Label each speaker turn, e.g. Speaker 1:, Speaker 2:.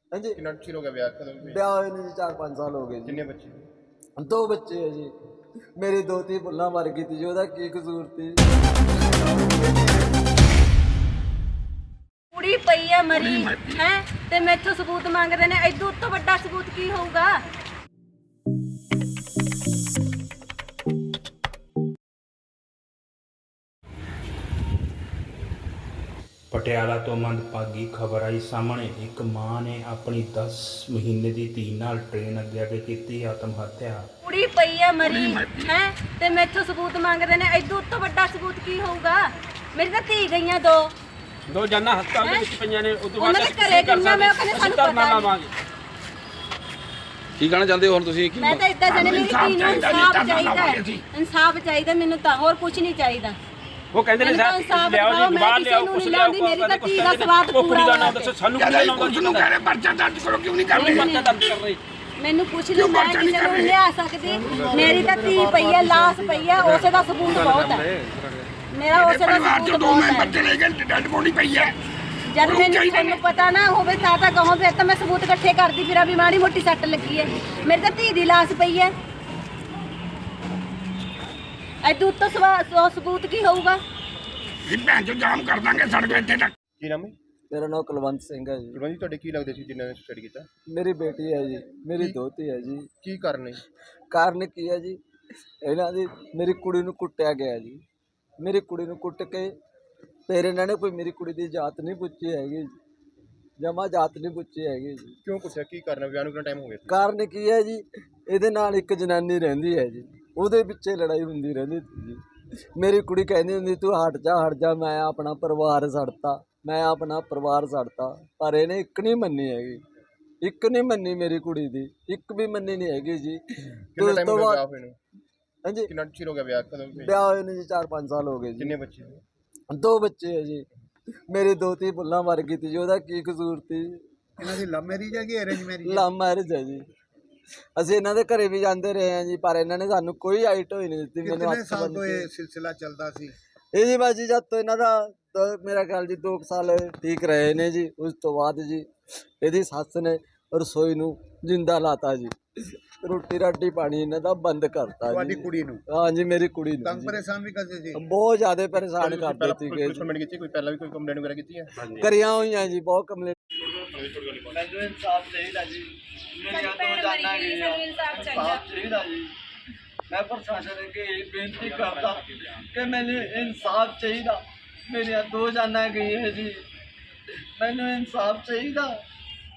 Speaker 1: हाँ जी।
Speaker 2: कितना चिर हो गया ब्याह कदम पे?
Speaker 1: ब्याह हुए जी 4-5 साल हो गए जी।
Speaker 2: कितने बच्चे?
Speaker 1: 2 बच्चे है जी। मेरी दोती भुल्ला मर गई थी जी, ओदा की कसूर थी?
Speaker 3: ਕੁੜੀ ਪਈ ਆ ਮਰੀ ਹੈ ਤੇ ਮੈਥੋਂ ਸਬੂਤ ਮੰਗਦੇ ਨੇ। ਇਦੋਂ ਤੋਂ ਵੱਡਾ ਸਬੂਤ ਕੀ ਹੋਊਗਾ?
Speaker 4: ਪਟਿਆਲਾ ਤੋਂ ਮੰਦਭਾਗੀ ਖਬਰ ਆਈ ਸਾਹਮਣੇ। ਇੱਕ ਮਾਂ ਨੇ ਆਪਣੀ 10 ਮਹੀਨੇ ਦੀ ਧੀ ਨਾਲ ਟ੍ਰੇਨ ਅੱਗੇ ਕੀਤੀ ਆਤਮ ਹੱਤਿਆ।
Speaker 3: ਕੁੜੀ ਪਈ ਆ ਮਰੀ ਹੈ ਤੇ ਮੈਥੋਂ ਸਬੂਤ ਮੰਗਦੇ ਨੇ। ਇਦੋਂ ਤੋਂ ਵੱਡਾ ਸਬੂਤ ਕੀ ਹੋਊਗਾ? ਮੇਰੀ ਤਾਂ ਧੀ ਗਈਆਂ ਦੋ
Speaker 5: ਜਾਨਾਂ ਹਸਪਤਾਲ ਦੇ ਵਿੱਚ ਪਈਆਂ ਨੇ। ਉਦੋਂ
Speaker 3: ਉਹਨਾਂ ਦੇ ਘਰੇ ਕਿੰਨਾ ਮੈਂ ਕਹਿੰਦੇ ਸਾਨੂੰ ਪਤਾ ਨਹੀਂ।
Speaker 6: ਕੀ ਕਹਿਣਾ ਚਾਹੁੰਦੇ ਹੋ ਹੁਣ ਤੁਸੀਂ?
Speaker 3: ਮੈਂ ਤਾਂ ਇਦਾਂ ਜਾਣੇ ਮੇਰੀ ਧੀ ਨੂੰ ਇਨਸਾਫ ਚਾਹੀਦਾ ਹੈ। ਇਨਸਾਫ ਚਾਹੀਦਾ ਮੈਨੂੰ ਤਾਂ, ਹੋਰ ਕੁਝ ਨਹੀਂ ਚਾਹੀਦਾ।
Speaker 5: ਉਹ ਕਹਿੰਦੇ ਨੇ
Speaker 3: ਲਿਆਓ ਜੀ ਬਾਹਰ ਲਿਆਓ ਕੁਛ ਲਿਆਓ। ਮੇਰੀ ਤਾਂ ਧੀ ਦਾ ਸਵਾਦ ਪੂਰਾ
Speaker 5: ਦਾ ਨਾਮ ਦੱਸੋ ਸਾਨੂੰ। ਕੀ ਨਾਮ ਦੱਸੋ ਨੂੰ ਕਹਿ ਰਹੇ ਪਰਚਾ ਦਰਜ ਕਰੋ, ਕਿਉਂ ਨਹੀਂ ਕਰਦੇ? ਪਰਚਾ ਦਰਜ ਕਰ ਰਹੇ
Speaker 3: ਮੈਨੂੰ ਪੁੱਛ ਲਓ, ਮੈਂ ਕਿਸੇ ਨੂੰ ਲਿਆ ਸਕਦੀ? ਮੇਰੀ ਤਾਂ ਧੀ ਪਈ ਹੈ, ਲਾਸ਼ ਪਈ ਹੈ, ਉਸੇ ਦਾ ਸਬੂਤ ਬਹੁਤ ਹੈ। ਮੇਰਾ ਉਸੇ ਦਾ ਸਬੂਤ ਬਹੁਤ ਹੈ।
Speaker 2: ਬੱਚੇ ਲੈ ਗਏ, ਡੈਡ ਬੋਡੀ ਪਈ ਹੈ।
Speaker 3: ਜਦ ਮੈਨੂੰ ਤੁਹਾਨੂੰ ਪਤਾ ਨਾ ਹੋਵੇ ਤਾਂ ਕਹੋ, ਫਿਰ ਤਾਂ ਮੈਂ ਸਬੂਤ ਇਕੱਠੇ ਕਰਦੀ ਫਿਰਾਂ ਵੀ ਮਾੜੀ ਮੋਟੀ ਸੱਟ ਲੱਗੀ ਹੈ। ਮੇਰੀ ਤਾਂ ਧੀ ਦੀ ਲਾਸ਼ ਪਈ ਹੈ। ਇਦੋਂ ਉੱਤੋਂ ਸਬੂਤ ਕੀ ਹੋਊਗਾ?
Speaker 2: ਭੈਣ ਚੋ ਜਾਮ ਕਰ ਦਾਂਗੇ ਸੜਕ ਇੱਥੇ ਤੱਕ। ਕੀ ਨਾਮ ਹੈ?
Speaker 1: मेरा नाम कुलवंत सिंह है जी।
Speaker 2: ਕੁਲਵੰਤ ਜੀ, ਤੁਹਾਡੇ ਕੀ ਲੱਗਦੇ ਸੀ ਜਿਨ੍ਹਾਂ ਨੇ ਸੁਸਾਈਡ ਕੀਤਾ?
Speaker 1: मेरी बेटी है जी, मेरी दोती है जी।
Speaker 2: ਕੀ ਕਾਰਨ ਹੈ?
Speaker 1: ਕਾਰਨ ਕੀ ਹੈ ਜੀ? ਇਹਨਾਂ ਦੀ ਮੇਰੀ ਕੁੜੀ ਨੂੰ ਕੁੱਟਿਆ ਗਿਆ ਜੀ। ਮੇਰੀ ਕੁੜੀ ਨੂੰ ਕੁੱਟ ਕੇ ਫਿਰ ਇਹਨਾਂ ਨੇ ਕੋਈ ਮੇਰੀ ਕੁੜੀ ਦੀ ਜਾਤ ਨਹੀਂ ਪੁੱਛੀ ਹੈਗੀ, ਜਮਾ ਜਾਤ ਨਹੀਂ ਪੁੱਛੀ ਹੈਗੀ ਜੀ।
Speaker 2: ਕਿਉਂ ਪੁੱਛਿਆ? ਕੀ ਕਾਰਨ ਹੈ? ਵਿਆਹ ਨੂੰ ਕਿੰਨਾ ਟਾਈਮ ਹੋ ਗਿਆ?
Speaker 1: ਕਾਰਨ ਕੀ ਹੈ ਜੀ? ਇਹਦੇ ਨਾਲ ਇੱਕ ਜਨਾਨੀ ਰਹਿੰਦੀ ਹੈ ਜੀ, ਉਹਦੇ ਪਿੱਛੇ ਲੜਾਈ ਹੁੰਦੀ ਰਹਿੰਦੀ ਸੀ ਜੀ। ਮੇਰੀ ਕੁੜੀ ਕਹਿੰਦੀ ਹੁੰਦੀ ਤੂੰ ਹਟ ਜਾ, ਮੈਂ ਆਪਣਾ ਪਰਿਵਾਰ ਛੱਡਤਾ, ਮੈਂ ਆਪਣਾ ਪਰਿਵਾਰ ਛੱਡਤਾ। ਪਰ ਇਹਨੇ ਇੱਕ ਨਹੀਂ ਮੰਨੀ ਹੈਗੀ, ਇੱਕ ਨਹੀਂ ਮੰਨੀ ਮੇਰੀ ਕੁੜੀ ਦੀ, ਇੱਕ ਵੀ ਮੰਨੀ ਨਹੀਂ ਹੈਗੀ ਜੀ।
Speaker 2: ਕਿੰਨਾ ਟਾਈਮ ਹੋ ਗਿਆ ਵਿਆਹ ਹੋਏ ਨੂੰ?
Speaker 1: ਹਾਂਜੀ।
Speaker 2: ਕਿੰਨਾ ਚਿਰ ਹੋ ਗਿਆ ਵਿਆਹ ਕਦਮ पे?
Speaker 1: ਵਿਆਹ ਹੋਏ ਨੂੰ ਜੀ 4-5 ਸਾਲ ਹੋ ਗਏ ਜੀ।
Speaker 2: ਕਿੰਨੇ ਬੱਚੇ?
Speaker 1: 2 ਬੱਚੇ ਹੈ ਜੀ। ਮੇਰੀ ਦੋਤੀ ਭੁੱਲਾ ਮਰ ਗਈ ਥੀ ਜੀ, ਉਹਦਾ ਕੀ ਕਸੂਰ ਸੀ?
Speaker 7: ਇਹਨਾਂ ਦੀ ਲਵ ਮੈਰਿਜ ਹੈ ਕਿ ਅਰੇਂਜ ਮੈਰਿਜ?
Speaker 1: ਲਵ ਮੈਰਿਜ ਹੈ ਜੀ। ਅਸੀਂ ਇਹਨਾਂ ਦੇ ਘਰੇ ਵੀ ਜਾਂਦੇ ਰਹੇ ਹਾਂ ਜੀ, ਪਰ ਇਹਨਾਂ ਨੇ ਸਾਨੂੰ ਕੋਈ ਆਈਟ ਹੋਈ ਨਹੀਂ ਦਿੱਤੀ। ਮੈਨੂੰ
Speaker 7: ਕਿੰਨੇ ਸਾਲ ਤੋਂ ਇਹ ਸਿਲਸਿਲਾ ਚੱਲਦਾ ਸੀ?
Speaker 1: ਇਹ ਜੀ ਬਾਜੀ ਜਦ ਤੋਂ ਇਹਨਾਂ ਦਾ ਮੇਰਾ ਖਿਆਲ ਜੀ 2 ਸਾਲ ਠੀਕ ਰਹੇ ਨੇ ਜੀ। ਉਸ ਤੋਂ ਬਾਅਦ ਜੀ ਇਹਦੀ ਸੱਸ ਨੇ ਰਸੋਈ ਨੂੰ ਜਿੰਦਾ ਲਾਤਾ ਜੀ, ਰੋਟੀ ਰਾਟੀ ਪਾਣੀ ਇਹਨਾਂ ਦਾ ਬੰਦ ਕਰਤਾ
Speaker 7: ਤੁਹਾਡੀ
Speaker 1: ਜੀ।
Speaker 7: ਕੁੜੀ ਨੂੰ?
Speaker 1: ਹਾਂ ਜੀ, ਮੇਰੀ ਕੁੜੀ ਨੂੰ
Speaker 7: ਤੰਗ
Speaker 1: ਜੀ
Speaker 7: ਪਰੇਸ਼ਾਨ ਵੀ ਕਰਦੇ ਸੀ?
Speaker 1: ਬਹੁਤ ਜ਼ਿਆਦਾ ਪਰੇਸ਼ਾਨ ਕਰਦੇ ਸੀਗੇ
Speaker 2: ਪੁਲਿਸ ਕੰਪਲੇਂਟ ਕੀਤੀ? ਕੋਈ ਪਹਿਲਾਂ ਵੀ ਕੋਈ ਕੰਪਲੇਂਟ ਵਗੈਰਾ ਕੀਤੀ ਹੈ?
Speaker 1: ਕਰੀਆਂ ਹੋਈਆਂ ਜੀ, ਬਹੁਤ ਕੰਪਲੇਂਟ। ਮੈਨੂੰ ਇਨਸਾਫ ਚਾਹੀਦਾ ਜੀ, ਮੇਰੀਆਂ 2 ਜਾਨਾਂ ਗਈਆਂ, ਇਨਸਾਫ ਚਾਹੀਦਾ ਜੀ। ਮੈਂ ਪ੍ਰਸ਼ਾਸਨ ਅੱਗੇ ਇਹ ਬੇਨਤੀ ਕਰਦਾ ਕਿ ਮੈਨੂੰ ਇਨਸਾਫ ਚਾਹੀਦਾ। ਮੇਰੀਆਂ 2 ਜਾਨਾਂ ਗਈਆਂ ਜੀ, ਮੈਨੂੰ ਇਨਸਾਫ ਚਾਹੀਦਾ।